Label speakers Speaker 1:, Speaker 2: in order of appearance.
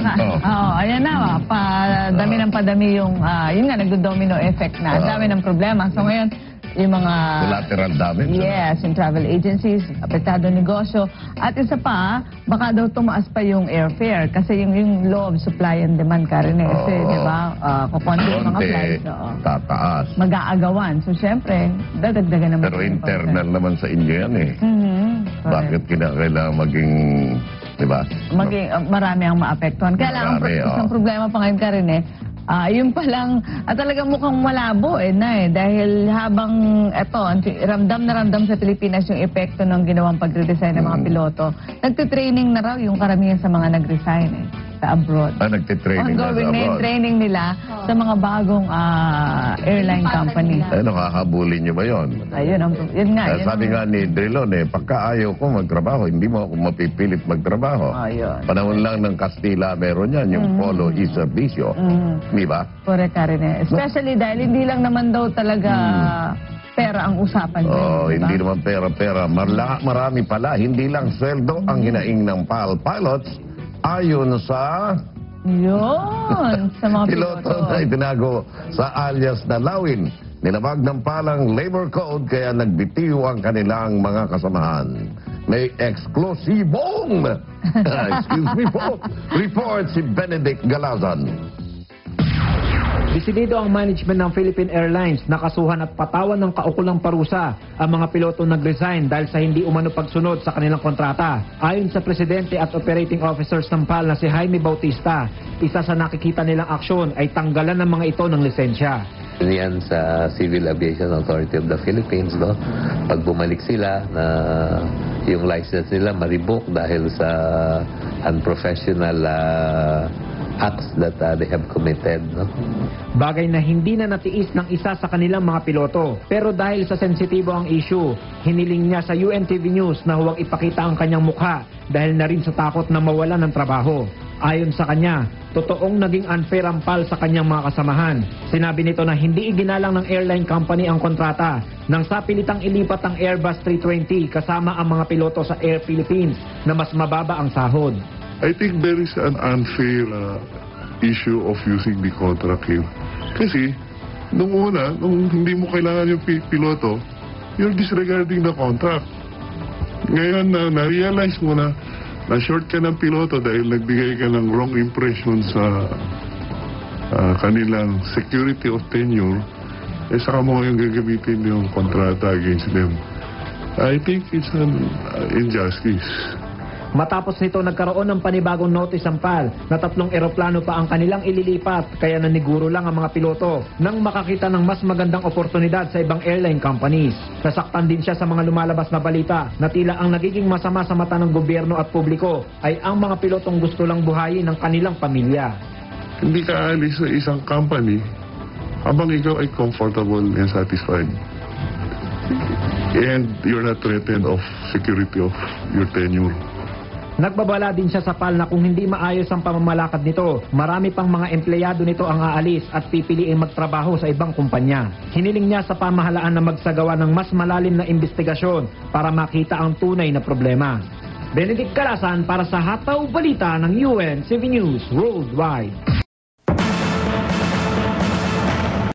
Speaker 1: Ayan na, padami ng padami yung, yun nga, nagdo-domino effect na. Dami ng problema. So ngayon, yung mga...
Speaker 2: Collateral damage.
Speaker 1: Yes, yung travel agencies, apektado negosyo. At isa pa, baka daw tumaas pa yung airfare. Kasi yung law of supply and demand, Karen, kasi, di ba, kukonti yung mga flights.
Speaker 2: Tataas.
Speaker 1: Mag-aagawan. So, syempre, dadagdagan naman.
Speaker 2: Pero internal naman sa inyo yan eh. Bakit kailangan maging, di ba?
Speaker 1: Marami ang maapektuhan. Kaya lang, isang problema pa ngayon, Karen, yun palang, talagang mukhang malabo dahil habang ramdam na ramdam sa Pilipinas yung epekto ng ginawang pagre-resign ng mga piloto, nagtitraining na raw yung karamihan sa mga nag-resign sa abroad.
Speaker 2: Nagtitraining na sa abroad.
Speaker 1: Ongoing training nila sa mga bagong airline company.
Speaker 2: Nakakahabulin nyo ba yun?
Speaker 1: Yun nga.
Speaker 2: Sabi nga ni Drilon, pagka ayaw ko magtrabaho, hindi mo ako mapipilit magtrabaho. Panahon lang ng Kastila meron yan, yung polo y servicio. Di ba?
Speaker 1: Correct, Karen. Especially dahil hindi lang naman daw talaga pera ang usapan.
Speaker 2: Hindi naman pera-pera. Marami pala, hindi lang sweldo ang hinaing ng PAL pilots ayon sa...
Speaker 1: sa mga
Speaker 2: piloto na itinago sa alias na Lawin. Nilabag ng palang labor code kaya nagbitiw ang kanilang mga kasamahan. May eksklusibong report si Benedict Galazan.
Speaker 3: Desidido ang management ng Philippine Airlines na kasuhan at patawan ng kaukulang parusa ang mga pilotong nag-resign dahil sa hindi umano pagsunod sa kanilang kontrata. Ayon sa Presidente at Operating Officers ng PAL na si Jaime Bautista, isa sa nakikita nilang aksyon ay tanggalan ng mga ito ng lisensya.
Speaker 4: Yan sa Civil Aviation Authority of the Philippines, no? Pag bumalik sila na yung license nila ma-revoke dahil sa unprofessional acts that they have committed. No?
Speaker 3: Bagay na hindi na natiis ng isa sa kanilang mga piloto. Pero dahil sa sensitibo ang issue, hiniling niya sa UNTV News na huwag ipakita ang kanyang mukha dahil na rin sa takot na mawala ng trabaho. Ayon sa kanya, totoong naging unfair ang PAL sa kanyang mga kasamahan. Sinabi nito na hindi iginalang ng airline company ang kontrata nang sapilitang ilipat ang Airbus 320 kasama ang mga piloto sa Air Philippines na mas mababa ang sahod.
Speaker 5: I think there is an unfair issue of using the contract here. Kasi, nung hindi mo kailangan yung piloto, you're disregarding the contract. Ngayon, na-realize mo na short ka ng piloto dahil nagbigay ka ng wrong impression sa kanilang security of tenure, saka mo ngayon gagamitin yung kontrata against them. I think it's an injustice.
Speaker 3: Matapos nito nagkaroon ng panibagong notice ang PAL na 3 eroplano pa ang kanilang ililipat kaya naniguro lang ang mga piloto nang makakita ng mas magandang oportunidad sa ibang airline companies. Nasaktan din siya sa mga lumalabas na balita na tila ang nagiging masama sa mata ng gobyerno at publiko ay ang mga pilotong gusto lang buhayin ng kanilang pamilya.
Speaker 5: Hindi ka alis sa isang company habang ikaw ay comfortable and satisfied. And you're not threatened of security of your tenure.
Speaker 3: Nagbabala din siya sa PAL na kung hindi maayos ang pamamalakad nito, marami pang mga empleyado nito ang aalis at pipiliing magtrabaho sa ibang kumpanya. Hiniling niya sa pamahalaan na magsagawa ng mas malalim na investigasyon para makita ang tunay na problema. Benedict Galazan para sa Hataw Balita ng UNTV News Worldwide.